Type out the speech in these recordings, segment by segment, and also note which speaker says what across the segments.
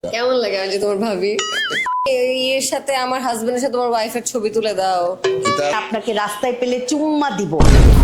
Speaker 1: কেমন লাগে আমি যে তোমার ভাবি এর সাথে আমার হাজবেন্ডের সাথে তোমার ওয়াইফের ছবি তুলে দাও।
Speaker 2: আপনাকে রাস্তায় পেলে চুম্মা দিব।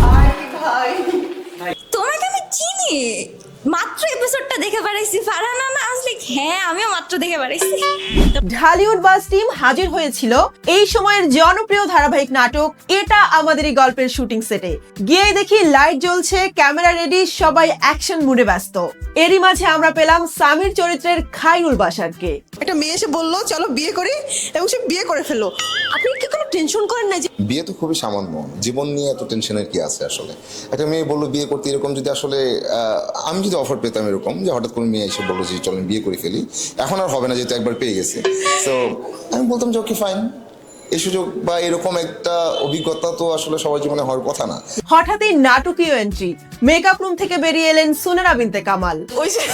Speaker 3: তোমাকে আমি চিনি, মাত্র এপিসোডটা দেখে বেড়াইছি। ফারহানা না আসলে হ্যাঁ আমিও মাত্র দেখে বেড়াইছি।
Speaker 4: ঢালিউড বাস টিম হাজির হয়েছিল এই সময়ের জনপ্রিয় ধারাবাহিক নাটক এটা আমাদেরই গল্পের শুটিং সেটে। গিয়ে দেখি লাইট জ্বলছে, ক্যামেরা রেডি, সবাই অ্যাকশন মুডে ব্যস্ত। এরই মাঝে আমরা পেলাম সামির চরিত্রের খায়রুল বাশারকে।
Speaker 5: একটা মেয়ে এসে বললো চলো বিয়ে করি এবং সে বিয়ে করে ফেললো। আপনি কি কোনো টেনশন করেন না যে
Speaker 6: বিয়ে তো খুবই সামান্য, জীবন নিয়ে এত টেনশনের কি আছে আসলে? একটা মেয়ে বললো বিয়ে করতে, এরকম যদি আসলে আমি যদি অফার পেতাম এরকম যে হঠাৎ করে মেয়ে এসে বললো যে চলেন বিয়ে করে ফেলি, এখন আর হবে না যেহেতু একবার পেয়ে গেছে। তো আমি বলতাম যে ওকে ফাইন, এই সুযোগ বা এরকম একটা অভিজ্ঞতা তো আসলে সবার জীবনে হওয়ার কথা না।
Speaker 4: হঠাৎই নাটকীয় এন্ট্রি, মেকআপ রুম থেকে বেরিয়ে এলেন সুনেরা বিনতে কামাল।
Speaker 5: ওই যে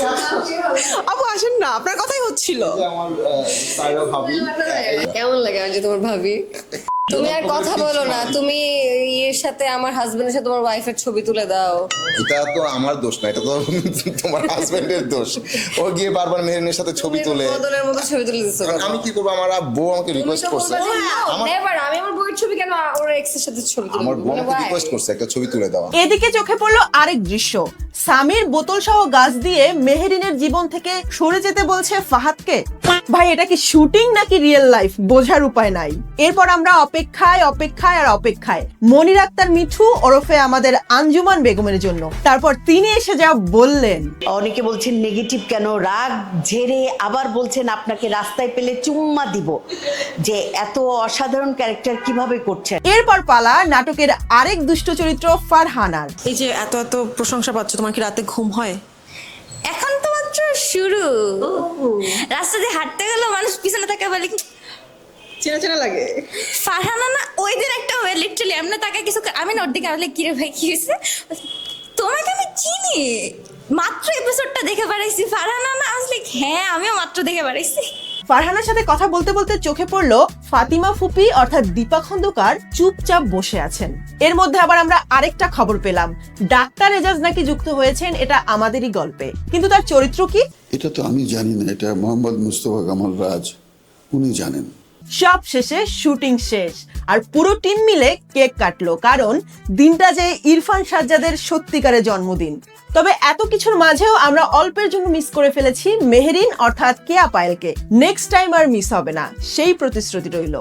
Speaker 5: আপু আসেন না, আপনার কথাই হচ্ছিল।
Speaker 6: আমার ভাবি
Speaker 1: কেমন লাগে আমি যে তোমার ভাবি? তুমি আর কথা বলো না, তুমি এর সাথে আমার হাজবেন্ডের সাথে তোমার ওয়াইফের ছবি তুলে দাও।
Speaker 6: এটা তো আমার দোষ না, এটা তো তোমার হাজবেন্ডের দোষ। ও গিয়ে বারবার মেহরিনের সাথে ছবি তোলে।
Speaker 1: বদলের মতো ছবি তুলে দিছো কেন?
Speaker 6: আমি কি করবো? আমার বউ আমাকে রিকোয়েস্ট করছে।
Speaker 1: নেভার, আমি আমার বউয়ের ছবি কেন ওর এক্সের সাথে ছবি তুলবো?
Speaker 6: আমার বউ আমাকে রিকোয়েস্ট করছে একটা ছবি তুলে দেওয়া।
Speaker 4: এদিকে চোখে পড়লো আরেক দৃশ্য, সামির বোতল সহ গাছ দিয়ে মেহেরিনের জীবন থেকে সরে যেতে বলছে ফাহাদকে। ভাই এটা কি শুটিং নাকি রিয়েল লাইফ বোঝার উপায় নাই। এরপর আমরা অপেক্ষায় আর অপেক্ষায় মনির আক্তার মিঠু ওরফে আমাদের আঞ্জুমান বেগমের জন্য। তারপর তিনি এসে যা বললেন,
Speaker 2: অনেকে বলছেন নেগেটিভ কেন, রাগ ঝেড়ে, আবার বলছেন আপনাকে রাস্তায় পেলে চুম্মা দিব। যে এত অসাধারণ ক্যারেক্টার কিভাবে করছেন।
Speaker 4: এরপর পালা নাটকের আরেক দুষ্ট চরিত্র ফারহানার।
Speaker 5: এই যে এত এত প্রশংসা পাচ্ছ, তোমার কি রাতে ঘুম হয়?
Speaker 3: এখন তো মাত্র শুরু। রাস্তা দিয়ে হাঁটতে গেল মানুষ পিছনে তাকে বলে
Speaker 5: চেনা চেনা লাগে।
Speaker 3: ফারহানা না ওই দিন একটা হয়ে লিটারালি এমনি তাকে কিছু আমি না ওর দিকে বলে কিরে ভাই কি হয়েছে, তোমাকে আমি চিনি, মাত্র এপিসোডটা দেখে বেড়াইছি। ফারহানা না আসলে হ্যাঁ আমিও মাত্র দেখে বেড়াইছি।
Speaker 4: ফারহানার সাথে কথা বলতে বলতে চোখে পড়লো ফাতিমা ফুপি অর্থাৎ দীপা খন্দকার চুপচাপ বসে আছেন। এর মধ্যে আবার আমরা আরেকটা খবর পেলাম, ডাক্তার এজাজ নাকি যুক্ত হয়েছেন এটা আমাদেরই গল্পে, কিন্তু তার চরিত্র কি
Speaker 7: এটা তো আমি জানি না, এটা মোহাম্মদ মুস্তফা কামাল রাজ, উনি জানেন।
Speaker 4: সব শেষে শুটিং শেষ আর পুরো টিম মিলে কেক কাটলো, কারণ দিনটা যে ইরফান সাজ্জাদের সত্যিকারের জন্মদিন। তবে এত কিছুর মাঝেও আমরা অল্পের জন্য মিস করে ফেলেছি মেহেরিন অর্থাৎ কেয়া পায়েলকে। নেক্সট টাইম আর মিস হবে না, সেই প্রতিশ্রুতি রইল।